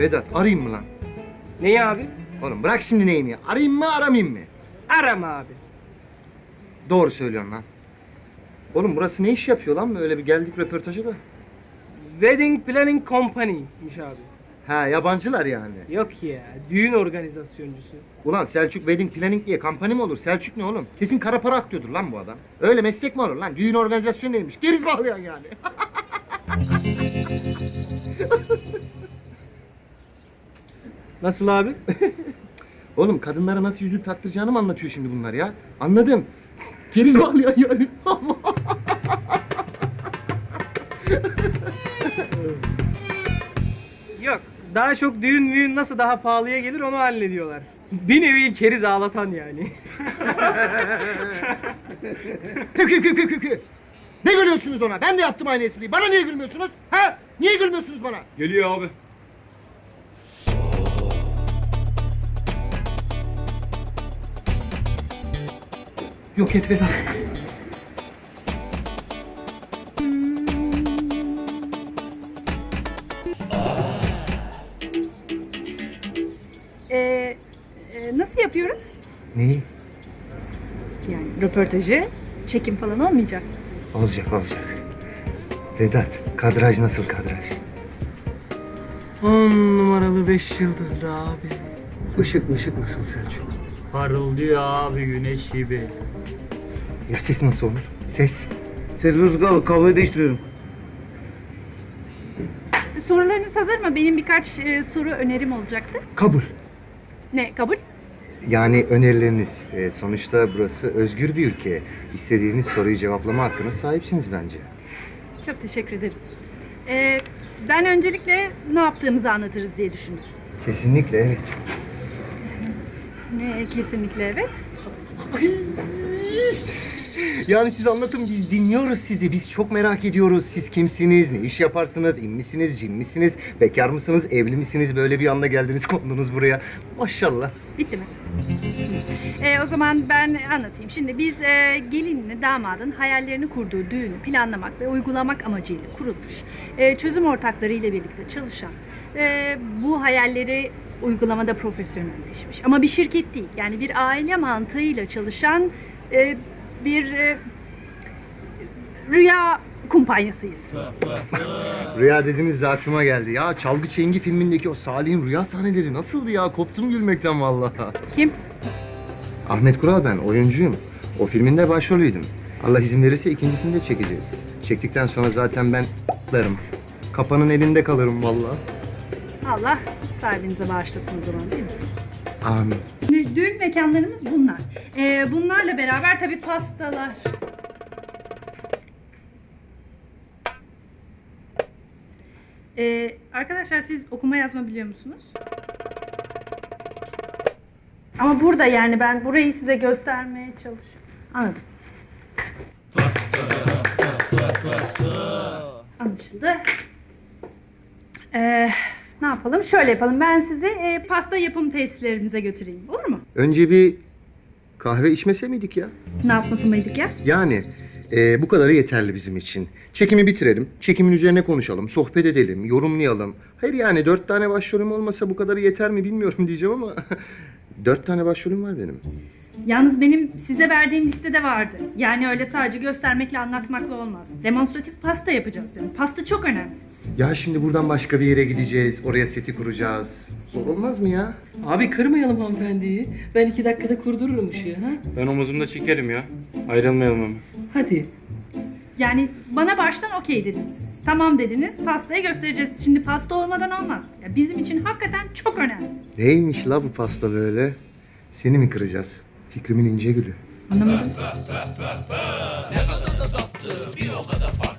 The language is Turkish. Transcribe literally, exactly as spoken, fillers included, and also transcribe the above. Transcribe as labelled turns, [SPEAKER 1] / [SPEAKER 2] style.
[SPEAKER 1] Vedat arayayım mı lan?
[SPEAKER 2] Neyi abi?
[SPEAKER 1] Oğlum bırak şimdi neyini ya. Arayayım mı aramayayım mı?
[SPEAKER 2] Arama abi.
[SPEAKER 1] Doğru söylüyorsun lan. Oğlum burası ne iş yapıyor lan? Böyle bir geldik röportaja da.
[SPEAKER 2] Wedding Planning Company'miş abi.
[SPEAKER 1] Ha yabancılar yani.
[SPEAKER 2] Yok ya, düğün organizasyoncusu.
[SPEAKER 1] Ulan Selçuk Wedding Planning diye kampanya mı olur? Selçuk ne oğlum? Kesin kara para aklıyordur lan bu adam. Öyle meslek mi olur lan? Düğün organizasyonu neymiş? Geriz bağlayan yani.
[SPEAKER 2] Nasıl abi?
[SPEAKER 1] Oğlum kadınlara nasıl yüzük taktıracağını mı anlatıyor şimdi bunlar ya? Anladın? Keriz bağlayan yani.
[SPEAKER 2] Yok, daha çok düğün müğün nasıl daha pahalıya gelir onu hallediyorlar. Bir nevi keriz ağlatan yani.
[SPEAKER 1] Kı kı kı kı kı kı. Ne gülüyorsunuz ona? Ben de yaptım aynı espriyi. Bana niye gülmüyorsunuz? Ha? Niye gülmüyorsunuz bana?
[SPEAKER 3] Geliyor abi.
[SPEAKER 1] Yok et Vedat.
[SPEAKER 4] Ee, e, nasıl yapıyoruz?
[SPEAKER 1] Neyi?
[SPEAKER 4] Yani röportajı, çekim falan olmayacak.
[SPEAKER 1] Olacak olacak. Vedat, kadraj nasıl kadraj?
[SPEAKER 2] On numaralı beş yıldızlı abi.
[SPEAKER 1] Işık ışık nasıl Selçuk?
[SPEAKER 3] Parıldıyor abi güneş gibi.
[SPEAKER 1] Ya ses nasıl olur? Ses.
[SPEAKER 5] Ses bozuk abi, kabloyu değiştiriyorum.
[SPEAKER 4] Sorularınız hazır mı? Benim birkaç e, soru önerim olacaktı.
[SPEAKER 1] Kabul.
[SPEAKER 4] Ne, kabul?
[SPEAKER 1] Yani önerileriniz. e, sonuçta burası özgür bir ülke. İstediğiniz soruyu cevaplama hakkına sahipsiniz bence.
[SPEAKER 4] Çok teşekkür ederim. Ee, ben öncelikle ne yaptığımızı anlatırız diye düşündüm.
[SPEAKER 1] Kesinlikle evet.
[SPEAKER 4] Ne, kesinlikle evet.
[SPEAKER 1] Yani siz anlatın, biz dinliyoruz sizi. Biz çok merak ediyoruz. Siz kimsiniz, ne iş yaparsınız, in misiniz, cin misiniz, bekar mısınız, evli misiniz? Böyle bir anda geldiniz, kondunuz buraya. Maşallah.
[SPEAKER 4] Bitti mi? Ee, o zaman ben anlatayım. Şimdi biz e, gelinle damadın hayallerini kurduğu düğünü planlamak ve uygulamak amacıyla kurulmuş, e, çözüm ortakları ile birlikte çalışan, e, bu hayalleri uygulamada profesyonelleşmiş. Ama bir şirket değil, yani bir aile mantığıyla çalışan e, bir e, rüya kumpanyasıyız.
[SPEAKER 1] Rüya dediniz de aklıma geldi. Ya Çalgı Çengi filmindeki o Salih'in rüya sahneleri nasıldı ya? Koptum gülmekten vallahi.
[SPEAKER 4] Kim?
[SPEAKER 1] Ahmet Kural ben, oyuncuyum. O filminde başrolüydüm. Allah izin verirse ikincisini de çekeceğiz. Çektikten sonra zaten ben larım. Kapanın elinde kalırım vallahi.
[SPEAKER 4] Allah sahibinize bağışlasın o zaman, değil mi?
[SPEAKER 1] Amin.
[SPEAKER 4] Şimdi düğün mekanlarımız bunlar. Ee, bunlarla beraber tabii pastalar. Ee, arkadaşlar siz okuma yazma biliyor musunuz? Ama burada yani ben burayı size göstermeye çalışıyorum. Anladım. Anlaşıldı. Ee, ne yapalım? Şöyle yapalım. Ben sizi e, pasta yapım tesislerimize götüreyim. Olur mu?
[SPEAKER 1] Önce bir kahve içmese miydik ya?
[SPEAKER 4] Ne yapması mıydık ya?
[SPEAKER 1] Yani e, bu kadarı yeterli bizim için. Çekimi bitirelim, çekimin üzerine konuşalım, sohbet edelim, yorumlayalım. Hayır yani dört tane başrolüm olmasa bu kadarı yeter mi bilmiyorum diyeceğim ama... dört tane başrolüm var benim.
[SPEAKER 4] Yalnız benim size verdiğim listede vardı. Yani öyle sadece göstermekle anlatmakla olmaz. Demonstratif pasta yapacağız yani. Pasta çok önemli.
[SPEAKER 1] Ya şimdi buradan başka bir yere gideceğiz, oraya seti kuracağız. Zor olmaz mı ya?
[SPEAKER 6] Abi kırmayalım hanımefendiyi. Ben iki dakikada kurdururum ışığı ha.
[SPEAKER 2] Ben omuzumda çekerim ya. Ayrılmayalım ama.
[SPEAKER 6] Hadi.
[SPEAKER 4] Yani bana baştan okey dediniz. Siz tamam dediniz, pastayı göstereceğiz. Şimdi pasta olmadan olmaz. Ya bizim için hakikaten çok önemli.
[SPEAKER 1] Neymiş la bu pasta böyle? Seni mi kıracağız? Fikrimin ince gülü.
[SPEAKER 4] Anlamadım.